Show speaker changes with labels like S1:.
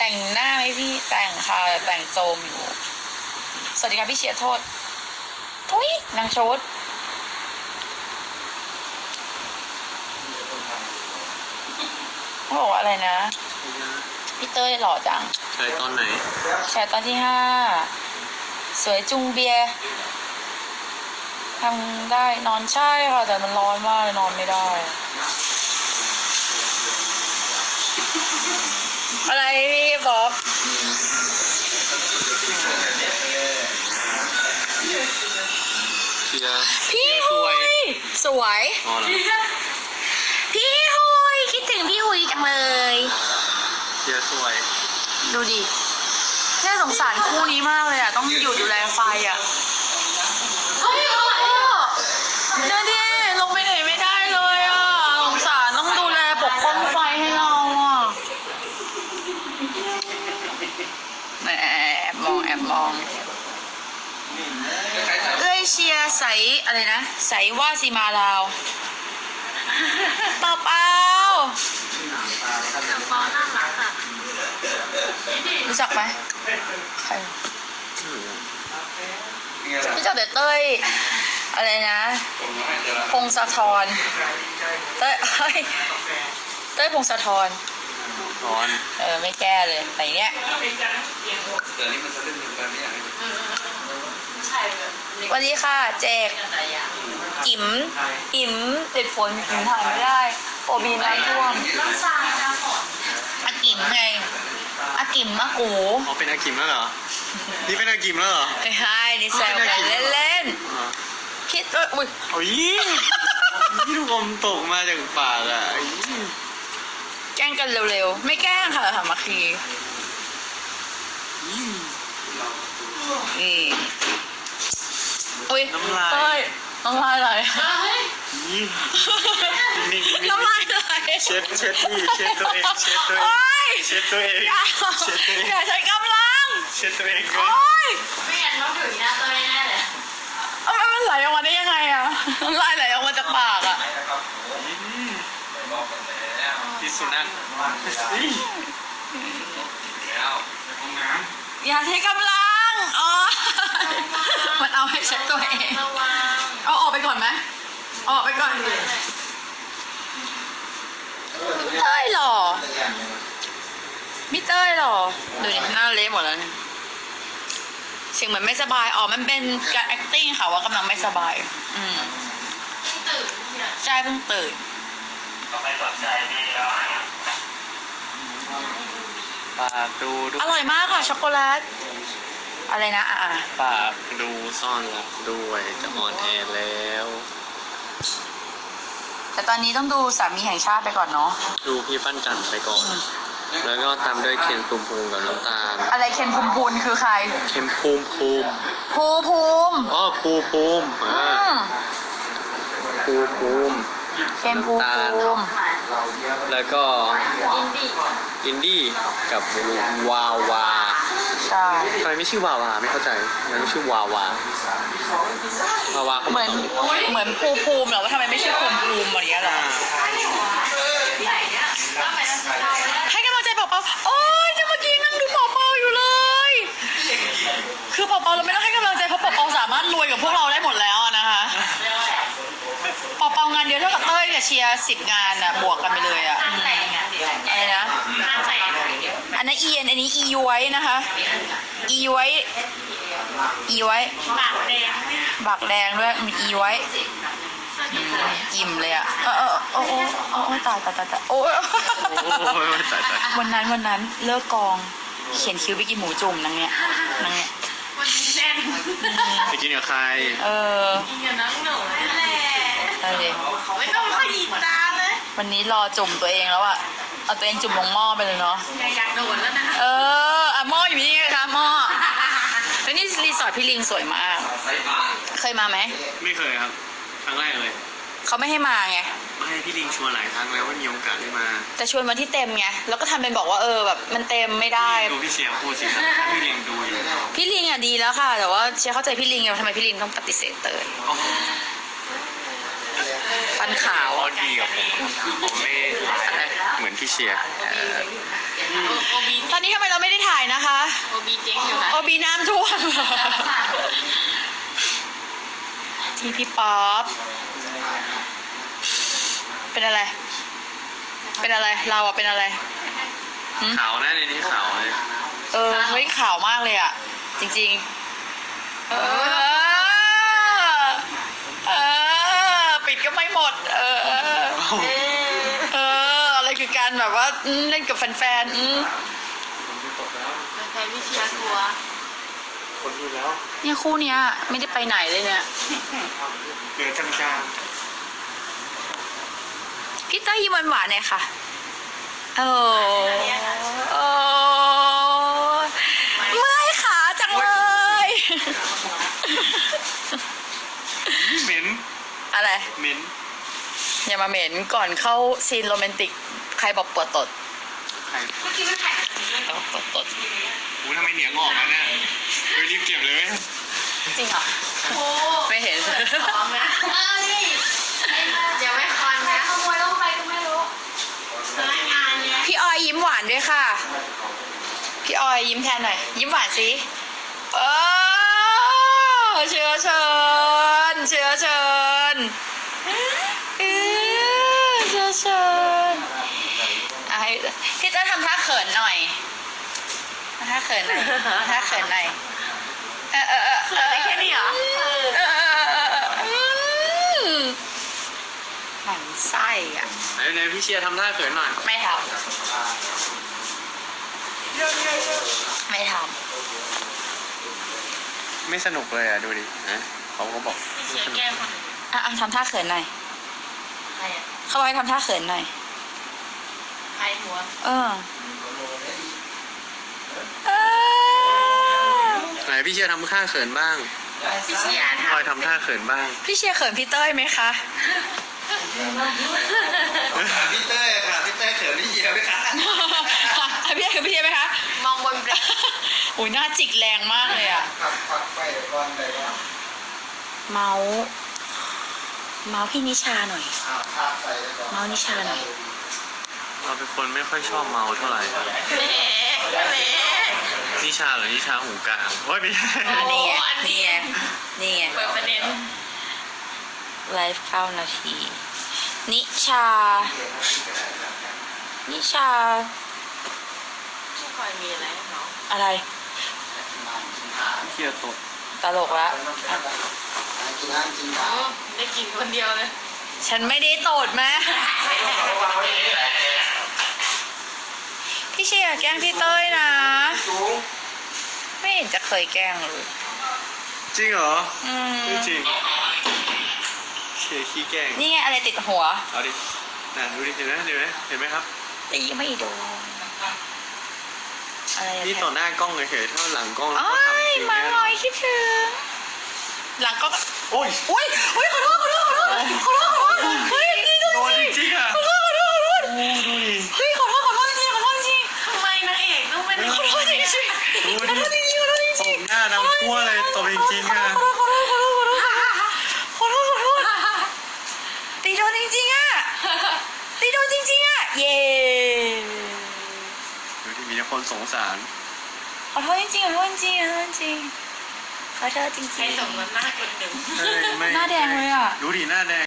S1: แต่งหน้าไหมพี่แต่งค่ะแต่งโจมอยู่สวัสดีค่ะพี่เชียร์โทษทุยนางโชดเขาบอกว่าอะไรนะพี่เต้ยหล่อจัง
S2: ใช้ตอนไหน
S1: แชร์ตอนที่5สวยจุงเบียร์ทำได้นอนใช่ค่ะแต่มันร้อนมากเลยนอนไม่ได้อะไรพี่บอกพี่หุยสวยพี่หุยคิดถึงพี่หุยจังเลย
S2: เชียร์สวย
S1: ดูดิแค่สงสารคู่นี้มากเลยอ่ะต้องอยู่ดูแลไฟอ่ะเฮ้ยเดี๋ยวดิลงไปไหนไม่ได้เลยอ่ะสงสารต้องดูแลปกป้องไฟให้เราอ่ะแอบมองเอ้ยเชียร์ใสอะไรนะใสว่าสีมาลาวเปล่ารู้จักไหมใครรู้จักแต่เต้ยอะไรนะพงศธรเต้ยพงศธรไม่แก้เลยไหนเนี้ยวันนี้ค่ะแจกกิ๋มติดฝนกิ๋มถ่ายไม่ได้โอบีน้ำท่วมอากิ๋มไงอากิ๋มอากู
S2: อ๋อเป็นอากิมแล้วเหรอนี่เป็นอากิมแล้วเหรอ
S1: ไม่ใช่นี่แซวกันเล่นๆคิดว่าอุ้ย
S2: โอ้ยนี่ลูกอมตกมาจากปากอ่ะ
S1: แกล้งกันเร็วๆไม่แกล้งค่ะมาคีอุ้ยน้ำลายไหลน้ำลายไหล
S2: เช็ดนี่เช็ดตัวเอง
S1: อย่าใช้กำลัง
S2: เช็ดตัวเอง
S3: ไม่งั้นต้องถึงหน้าตัวแน่เลย
S1: มันไหลออกมาได้ยังไงอะน้ำลายไหลออกมาจากปากอะ
S2: พิษสุนัข
S1: อย่าใช้กำลังมันเอาให้เช็ดตัวเองเอาออกไปก่อนไหมออกไปก่อนเต้ยหรอมิเต้ยหรอดูดิหน้าเละหมดแล้วเสียงเหมือนไม่สบายมันเป็นการ acting ค่ะว่ากำลังไม่สบายใช่เพิ่งตื่น
S2: ปากดู
S1: อร่อยมากค่ะช็อกโกแลตอะไรนะ
S2: ปากดูซ่อนรักด้วยจะออนแอร์แล้ว
S1: แต่ตอนนี้ต้องดูสามีแห่งชาติไปก่อนเนาะ
S2: ดูพี่ปั้นจันไปก่อนแล้วก็ตามด้วยเคนภูมิกับน้ำตาล
S1: อะไรเคนภูมิคือใคร
S2: เคนภูมิ
S1: ภูมิ
S2: อ๋อภูมิเคนภูมิแล้วก็อินดี้กับวาวา
S1: ใช่
S2: ทำไมไม่ชื่อวาวาไม่เข้าใจมันไม่ชื่อวาวา
S1: เหมือนภูมิเหรอว่าทำไมไม่ชื่อภูมิอะไรอย่างเงี้ยล่ะให้กำลังใจเปาโอ๊ยเมื่อกี้นั่งดูเปาอยู่เลยคือเปาเราไม่ต้องให้กำลังใจเพราะเปาสามารถรวยกับพวกเราได้หมดแล้วนะคะเปางานเดียวเท่ากับเต้ยกับเชียร์10 งานอ่ะบวกกันไปเลยอ่ะอะไรนะอันนั้นอันนี้ย้วยนะคะย้วยบักแดงด้วยมีย้วยอิ่มเลยอ่ะตายโอ้ยวันนั้นเลิกกองเขียนคิ้วไปกินหมูจุ่มนางเนี่ย
S3: วันนี้แน่น
S2: ไปกินกับใคร
S3: กินกับน้องหนูนั่นแหละเขาไม่ต้องขยี้ตาเลย
S1: วันนี้รอจุ่มตัวเองแล้วอะเอาตัวเองจุ่มลงหม้อไปเลยเนาะ
S3: อยากโดนแล้วนะ
S1: หม้ออยู่นี่ไงคะหม้อแล้วนี่รีสอร์ทพี่ลิงสวยมากเคยมาไหม
S2: ไม่เคยครับครั้งแรกเลย
S1: เขาไม่ให้มาไง
S2: ไม่ให้พี่ลิงชวนหลายครั้งแล้วว่ามีโอกาสได้มา
S1: แต่ชวนวันที่เต็มไงแล้วก็ทำเป็นบอกว่าแบบมันเต็มไม่ได้
S2: ดูพี่เชียร์พูดสิครับพี่ลิงดูอยู่
S1: พี่ลิงอ่ะดีแล้วค่ะแต่ว่าเชียร์เข้าใจพี่ลิงไงทำไมพี่ลิงต้องปฏิเสธเตยไปฟันขาว
S2: เขาดีกับผมผมไม่เหมือนพี่เชียร์
S3: โอบี
S1: ตอนนี้ทำไมเราไม่ได้ถ่ายนะคะ
S3: โอบีเจ๊งอยู่ค่ะ
S1: โอบีน้ำท่วม ที่พี่ป๊อปเป็นอะไร เป็นอะไร เราอะเป็นอะไร
S2: ขาวนะในนี้ขาวเลย
S1: เฮ้ยขาวมากเลยอะจริงๆ ปิดก็ไม่หมด อะไรคือการแบบว่าเล่นกับแฟนๆ
S3: แฟนพี่เชียร์กลัว
S2: คนดูแล้ว
S1: เนี่ยคู่เนี้ยไม่ได้ไปไหนเลยเนี่ย
S2: เหลือจังจาง
S1: พี่เต้ยยิ้มหวานๆเนี่ยค่ะโอ้เมื่อยขาจังเลย
S2: เหม็น
S1: อะไร
S2: เหม็น
S1: อย่ามาเหม็นก่อนเข้าซีนโรแมนติก ใครบอกปวดตด
S2: ใคร
S3: เมื่อกี้ไม่ถ่าย
S1: ปวดตด
S2: อู้ทำไมเหนียงออกมาเนี่ยไปรีบเก็บเลย
S1: จริงเหรอ
S3: โอ้
S1: ไม่เห็น
S3: พร้อมนะเดี๋ยวไม่คอนนะขโมยลงไปก็ไม่รู้พนักงานเนี่ย
S1: พี่ออยยิ้มหวานด้วยค่ะ พี่ออยยิ้มแทนหน่อย ยิ้มหวานสิเชิญเชิญเชิญเชิญเชิญเชิญให้พี่เต้ยทำท่าเขินหน่อยทำท่าเขินหน่อยทำท่าเขินหน่อย
S3: เขินได้แค่นี้เหรอ
S1: หมันไส้อ่ะ
S2: ไหนพี่เชียร์ทำท่าเขินหน่อย
S1: ไม่ทำไม่ท
S2: ไม่สนุกเลยอ่ะดูดินะเขาก็บอก
S3: พี่เชียร์แก้มคน
S1: ำทำท่าเขินหน่อย
S3: ใครอ่ะ
S1: เขาบอกให้ทำท่าเขินหน่อย
S3: ใครหัว
S2: ไหนพี่เชียร์ทำท่าเขินบ้าง
S3: พี่เชียร์
S2: คอยทำท่าเขินบ้าง
S1: พี่เชียร์เขินพี่เต้ยไหมคะ
S4: พี่เต้ยค่ะพี่เต้ยเขินพี่เยียไหมคะ
S1: พี่เขินพี่เชียร์ไหมคะ
S3: มองบนเบร
S1: อุ้ยหน้าจิกแรงมากเลยอะ
S4: ฝักไฟก่อนเลยว่า
S1: เมาส์พี่นิชาหน่อย
S4: ภาพไฟก่อน
S1: เมาส์นิชาหน่อย
S2: เราเป็นคนไม่ค่อยชอบเมาเท่าไหร่ครับ
S3: แหม
S2: นิชาหรือนิชาหูกลางโอ้ยไม่ใช่
S1: นี่ไง
S3: อันนี้
S1: นี่ไง
S3: เปิดประเด็น
S1: ไลฟ์9 นาที นิชา
S3: ไม่ค่อยมีอะไรให้น้อง
S1: อะไร
S2: เชียร์ตก
S1: ตลกละ
S4: กินน้ำกินข้าว
S3: ได้กินคนเดียวเลย
S1: ฉันไม่ได้โตดแม่พี่เชียร์แกล้งพี่เต้ยนะ ไม่เห็นจะเคยแกล้งเลย
S2: จริงเหรอ
S1: อืม
S2: ไม่จริงเชียร์ขี้แกล้ง
S1: นี่ไงอะไรติดหัว
S2: เอาดิน่ะดูดิเห็นไหมเห็นไหมครับ
S1: ตีไม่โดนอะไรอะ
S2: นี่ต่อหน้ากล้องเฉยๆถ้าหลังกล้องแล้ว
S1: โอ้
S2: ก็ทำจ
S1: ย
S2: ริง
S1: มา
S2: แน่
S1: ลอยคิดถึง หลังก็
S2: โอ้ย
S1: อุ้ยขอโทษเฮ้ยดีจัง
S2: โดนจริงๆอ่ะ
S1: ขอโทษ
S2: โอ้ดูดิ
S1: เฮ้ยขอโทษจริงๆ
S3: ทำไมนางเอกต้องเป็น
S1: ขอโทษจริงๆ
S2: ดูดิตบหน้าดำทั่วเลยตบจริงๆอ่ะ
S1: ขอโทษตีโดนจริงๆอ่ะเย้
S2: ดูที่มีแต่คนสงสาร
S1: ขอโทษจริงๆขอโทษจริง
S3: ใครสมน้ำหน้าคนหนึ่ง
S2: เฮ้ยไม่
S1: หน้าแดงเลยอ่ะ
S2: ดูดิหน้าแดง